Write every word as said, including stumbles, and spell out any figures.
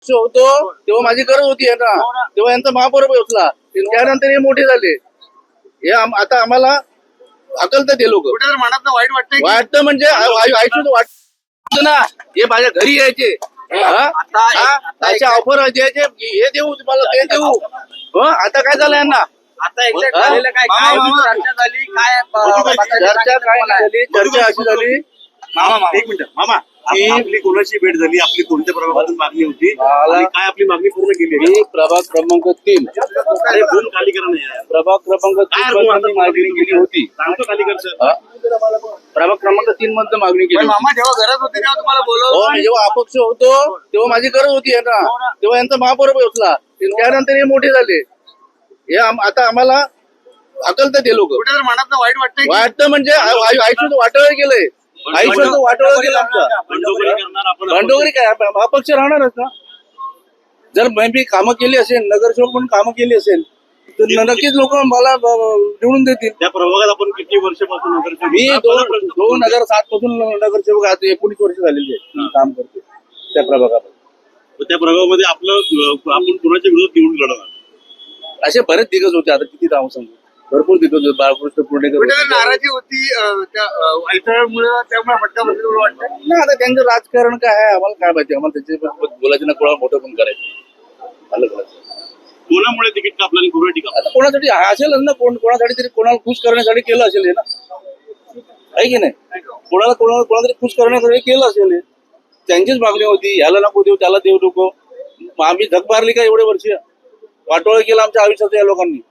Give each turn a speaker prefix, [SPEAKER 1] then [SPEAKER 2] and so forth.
[SPEAKER 1] होतो तेव्हा माझी गरज होती आहे ना, तेव्हा यांचा महापौर होतला, त्यानंतर हे मोठे झाले. हे आम- आता आम्हाला अकलतात ते लोक.
[SPEAKER 2] कुठे तर मनात वाईट वाटतंय की?
[SPEAKER 1] वाटतं म्हणजे आयुष्यात वाटतं ना, हे माझ्या घरी यायचे, हा? हा? त्याचे ऑफर द्यायचे, हे देऊ तुम्हाला, ते देऊ. हं? आता काय झालं यांना?
[SPEAKER 2] आता एक्झॅक्ट
[SPEAKER 1] हा?
[SPEAKER 2] झालेलं काय काय चर्चा झाली काय
[SPEAKER 1] चर्चा काय नाही झाली, चर्चा अशी झाली.
[SPEAKER 2] मामा मामा
[SPEAKER 3] एक मिनिट मामा आप- आपली कोणाची भेट झाली, आपली कोणत्या प्रभागातून मागणी होती
[SPEAKER 1] मला-
[SPEAKER 3] आणि काय आपली मागणी पूर्ण केली आहे?
[SPEAKER 1] मी प्रभाग क्रमांक तीन
[SPEAKER 3] अरे फोन खाली करा नाही यार.
[SPEAKER 1] प्रभाग क्रमांक
[SPEAKER 3] काय
[SPEAKER 1] तीन
[SPEAKER 3] अनुभव
[SPEAKER 1] मध्ये
[SPEAKER 3] आता
[SPEAKER 1] मी मागणी केली होती.
[SPEAKER 3] सांगतो खाली कर सर.
[SPEAKER 1] हा? प्रभाग क्रमांक तीन मध्ये मागणी केली
[SPEAKER 2] पण
[SPEAKER 1] होती.
[SPEAKER 2] मामा जेव्हा गरज होती तेव्हा तुम्हाला
[SPEAKER 1] हो,
[SPEAKER 2] बोलवलं
[SPEAKER 1] मी जेव्हा अपक्ष होतो तेव्हा माझी गरज होती आहे ना, तेव्हा यांचा महापौर होतला, त्यानंतर हे मोठे झाले. हे आम- आता आम्हाला अकलतात ते लोक.
[SPEAKER 2] कुठे तर मनात वाईट वाटतंय की?
[SPEAKER 1] वाटतं म्हणजे आयुष्यात वाटोळ गेलंय, आयुष्यात वाटोळ गेलं आमचं.
[SPEAKER 3] बंडखोरी करणार आपण
[SPEAKER 1] भांडवगरी काय आप- अपक्ष राहणारच ना. जर मी कामं केली असेल, नगरसेवक म्हणून कामं केली असेल तर नक्कीच लोक मला ब- निवडून देतील.
[SPEAKER 3] त्या प्रभागात आपण किती वर्षापासून नगरसेवक?
[SPEAKER 1] मी
[SPEAKER 3] हा,
[SPEAKER 1] दोन
[SPEAKER 3] पहिला प्रश्न.
[SPEAKER 1] दोन हजार सात पासून नगरसेवक आज एकोणीस वर्ष झालेली आहे काम करते त्या प्रभागात.
[SPEAKER 3] तर त्या प्रभागामध्ये आपलं अं, आपण कोणाच्या विरोधात निवडून लढवणार?
[SPEAKER 1] असे बरेच दिग्गज होते, आता किती नाव सांगू, भरपूर दिग्गज होते. बाळकृष्ण पुणेकर
[SPEAKER 2] कुठे तर
[SPEAKER 1] होते.
[SPEAKER 2] नाराजी होती अं, त्या अडथळ्यामुळे त्यामुळे फटका बसला असं वाटतं.
[SPEAKER 1] नाही, आता त्यांचं राजकारण काय आहे आम्हाला काय माहिती, आम्हाला त्याचे बोलायचं ना, कोणाला मोठं पण करायचं आलं करायचं.
[SPEAKER 3] कोणामुळे तिकीट कापलं आणि कोणा टिका?
[SPEAKER 1] आता कोणासाठी असेल ना, कोण कोणासाठी तरी कोणाला खुश करण्यासाठी केलं असेल हे ना, आहे की नाही? कोणाला कोणाला कोणातरी खुश करण्यासाठी केलं असेल हे. त्यांचीच मागणी होती, ह्याला नको देऊ, त्याला देऊ नको. मग आम्ही धक मारली का एवढे वर्ष? वाटोळ केलं आमच्या आयुष्यात या लोकांनी.